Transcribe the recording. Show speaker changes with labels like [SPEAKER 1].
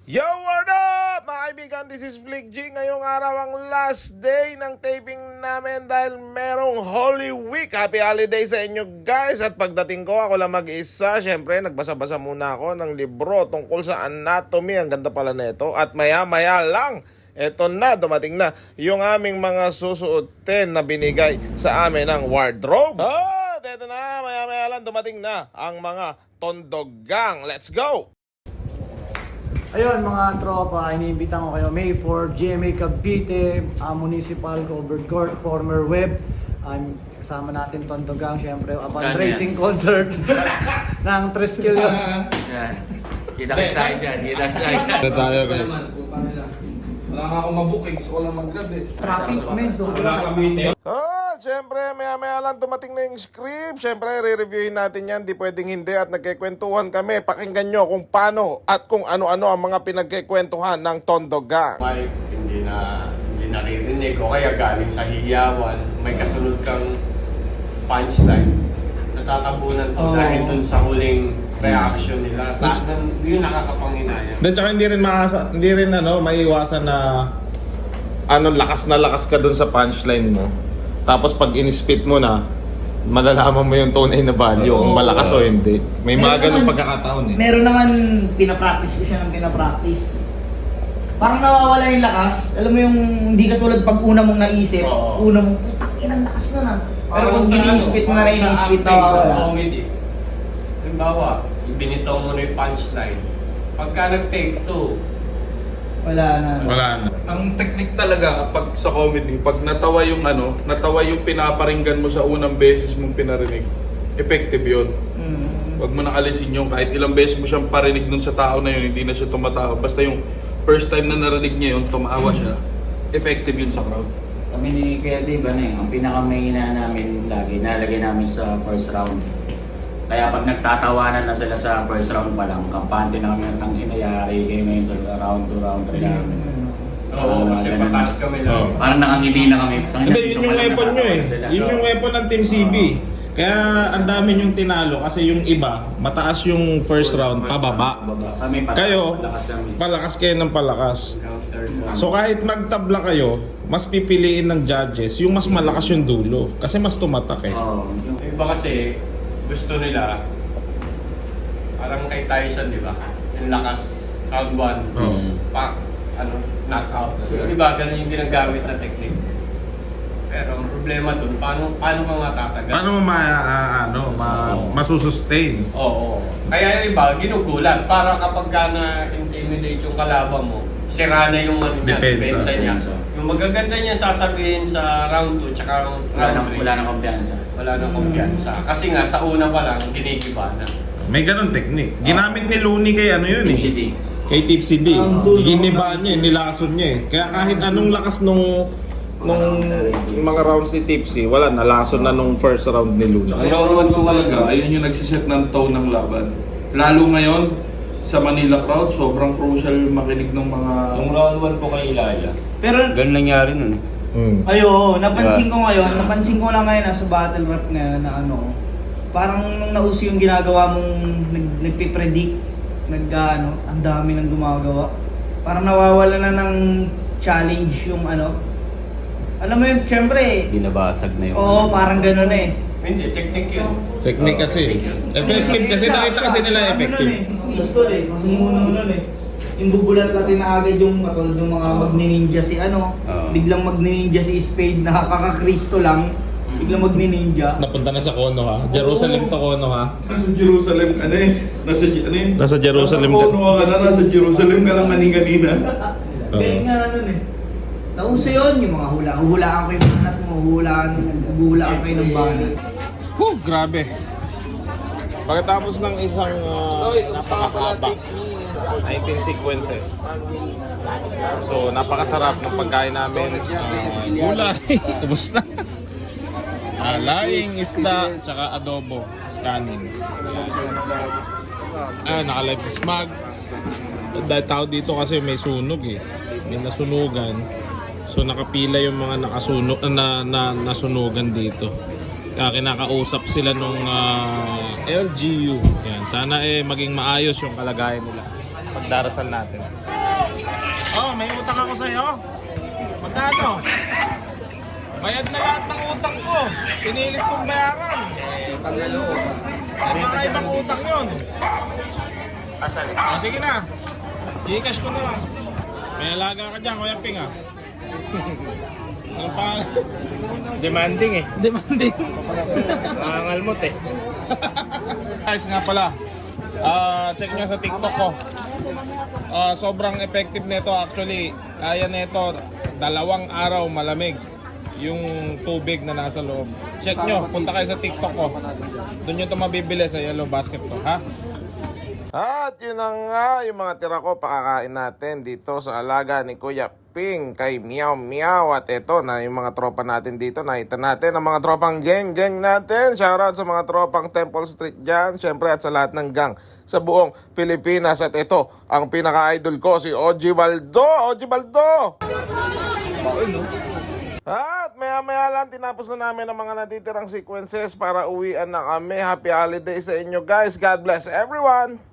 [SPEAKER 1] Yo, what up mga kaibigan? This is Flick G. Ngayong araw ang last day ng taping namin dahil merong Holy Week. Happy holiday sa inyo guys. At pagdating ko, ako lang mag-isa. Siyempre, nagbasa-basa muna ako ng libro tungkol sa anatomy. Ang ganda pala na ito. At maya-maya lang, eto na, dumating na yung aming mga susuotin na binigay sa amin ng wardrobe. At eto na, maya-maya lang, dumating na ang mga Tondo Gang. Let's go!
[SPEAKER 2] Ayun mga tropa, iniimbitan ko kayo May 4, GMA Cavite, Municipal Covered Court, former web. Kasama natin Tondo Gang, syempre, fundraising concert ng Triskill yun.
[SPEAKER 3] Kita-kita tayo dyan, kita-kita tayo.
[SPEAKER 1] Tayo guys.
[SPEAKER 4] Wala nga akong mabuking, gusto ko lang mag-grab eh.
[SPEAKER 2] Traffic, men.
[SPEAKER 4] Wala kami.
[SPEAKER 1] Siyempre, maya-maya lang dumating na yung script. Siyempre, re-reviewin natin yan. Di pwedeng hindi at nagkikwentuhan kami. Pakinggan nyo kung paano at kung ano-ano ang mga pinagkikwentuhan ng Tondo Gang.
[SPEAKER 3] Mike, hindi naririnig o kaya galing sa hiyawan, may kasunod kang punchline. Natatabunan to dahil dun sa huling reaction nila. Sa akin, yun nakakapanginaya.
[SPEAKER 1] Then, tsaka hindi rin maiiwasan na lakas na lakas ka dun sa punchline mo. Tapos pag in-spit mo na, malalaman mo yung tunay na value kung malakas o hindi. May mga ganun pagkakataon eh.
[SPEAKER 2] Meron naman, pinapractice ko siya ng pinapractice. Parang nawawala yung lakas. Alam mo yung hindi ka tulad pag una mong naisip, una mong, putang inang lakas na na. Pero kung ini-spit mo na rin, ini-spit na wala.
[SPEAKER 3] Comedy. Halimbawa, ibinitaw mo na yung punchline. Pagka nag-take two,
[SPEAKER 2] Wala na.
[SPEAKER 4] Ang technique talaga kapag sa comedy, pag natawa yung pinaparinggan mo sa unang beses mong pinarinig, effective yun. Huwag mo na alisin yung kahit ilang beses mo siyang parinig dun sa tao na yun, hindi na siya tumatawa. Basta yung first time na narinig niya yun, tumawa siya, effective yun sa crowd.
[SPEAKER 5] Kami ni Kuya Dave, ang pinakamahina namin lagi, nalagay namin sa first round. Kaya pag nagtatawanan na sila sa first round pa lang, kampante na kami ng inayari kayo ngayon sa round 2, round 3 namin.
[SPEAKER 3] oo, kasi pataas kami lang.
[SPEAKER 5] Parang nakangiti na kami.
[SPEAKER 1] Hindi, yun yung weapon nyo eh. Yun yung weapon ng Team CB. Kaya ang dami yung tinalo kasi yung iba, mataas yung first round, pababa.
[SPEAKER 5] Kami
[SPEAKER 1] Kayo,
[SPEAKER 5] palakas kami.
[SPEAKER 1] palakas kayo ng palakas. So kahit magtabla kayo, mas pipiliin ng judges yung mas malakas yung dulo. Kasi mas tumatak eh.
[SPEAKER 5] Oo.
[SPEAKER 3] Yung iba kasi, gusto nila, parang kay Tyson, di ba? Yung lakas, round 1, knockout. Yung iba, ganun yung ginagamit na technique. Pero ang problema dun, paano ka nga tatagal?
[SPEAKER 1] Paano mo masusustain?
[SPEAKER 3] Oo. Kaya yung iba, ginugulan. Para kapag ka na-intimidate yung kalaban mo, sira na yung depensa niya. Yung magaganda niya sasabihin sa round 2 tsaka round 3.
[SPEAKER 5] Wala nang kumpiyansa.
[SPEAKER 3] Wala nang kumpiyansa. Kasi nga, sa una pa lang, ginigiba na.
[SPEAKER 1] May ganun technique. Ginamit ni Looney kay yun eh.
[SPEAKER 5] City.
[SPEAKER 1] Kay Tipsy D. Giniba niya, nilason niya eh. Kaya kahit anong lakas nung mga rounds ni Tipsy, wala, nalason na nung first round ni Looney.
[SPEAKER 4] Sa round 2 talaga, ayun yung nagsiset ng tone ng laban. Lalo ngayon, sa Manila crowd, sobrang crucial makinig ng mga...
[SPEAKER 3] Yung round 1 po kay Ilaya.
[SPEAKER 2] Pero,
[SPEAKER 3] Ganun nangyari nun.
[SPEAKER 2] ayo, napansin ko lang ngayon sa battle rap ngayon na parang nung nauso yung ginagawa mong nagpipredict, ang dami nang gumagawa. Parang nawawala na ng challenge yung alam mo yun, syempre,
[SPEAKER 5] Binabasag na yung...
[SPEAKER 2] oo, parang gano'n eh.
[SPEAKER 3] Hindi, technique yun.
[SPEAKER 1] Technique kasi. Effective kasi, nakita kasi nila effective.
[SPEAKER 2] Pistol eh, kasi muno nun eh. Yung bubulat natin na agad yung katulad yung mga magni-ninja si biglang magni-ninja si Spade, nakakakristo lang, biglang magni-ninja.
[SPEAKER 1] Napunta na sa Kono ha. Jerusalem to Kono ha.
[SPEAKER 4] Nasa Jerusalem ka na eh.
[SPEAKER 1] Nasa Jerusalem
[SPEAKER 4] ka. Nasa Jerusalem ka lang kanina.
[SPEAKER 2] Kaya nga eh. Nauso yun, yung mga hulaan ko yung banat mo, hulaan kayo ng banat.
[SPEAKER 1] Grabe. Pagkatapos ng isang napakahaba 19 sequences. So, napakasarap ng pagkain namin. Gulay, ubos na. Laing, isda, tsaka adobo, kanin. Naka-live si Smag. Dahil tao dito kasi may sunog eh. May nasunugan. So nakapila yung mga nasunugan dito. Kinakausap sila nung LGU. Yan. Sana maging maayos yung kalagayan nila. Pagdarasal natin. Oh, may utang ako sa'yo. Magkano? Bayad na lahat ng utang ko. Pinilit kong bayaran. May mga ibang utang yun. Oh, sige na. Gcash ko na lang. May alaga ka dyan, Kuya Ping, ah. Ano pa? Demanding eh. Demanding. Nangangalmot eh. Guys, nga pala. Check nyo sa TikTok ko. Sobrang effective nito actually. Kaya nito 2 araw malamig yung tubig na nasa loob. Check nyo, punta kayo sa TikTok ko. Doon nyo ito mabibili sa Yellow Basket ko, ha? At yun na nga, yung mga tira ko pakakain natin dito sa alaga ni Kuya Ping kay Meow Meow. At ito na yung mga tropa natin dito. Nakita natin ang mga tropang gang natin. Shoutout sa mga tropang Temple Street dyan. Siyempre at sa lahat ng gang sa buong Pilipinas. At ito, ang pinaka-idol ko si OG Baldo. OG Baldo! At maya-maya lang tinapos na namin ang mga natitirang sequences para uwian na kami. Happy holidays sa inyo guys. God bless everyone!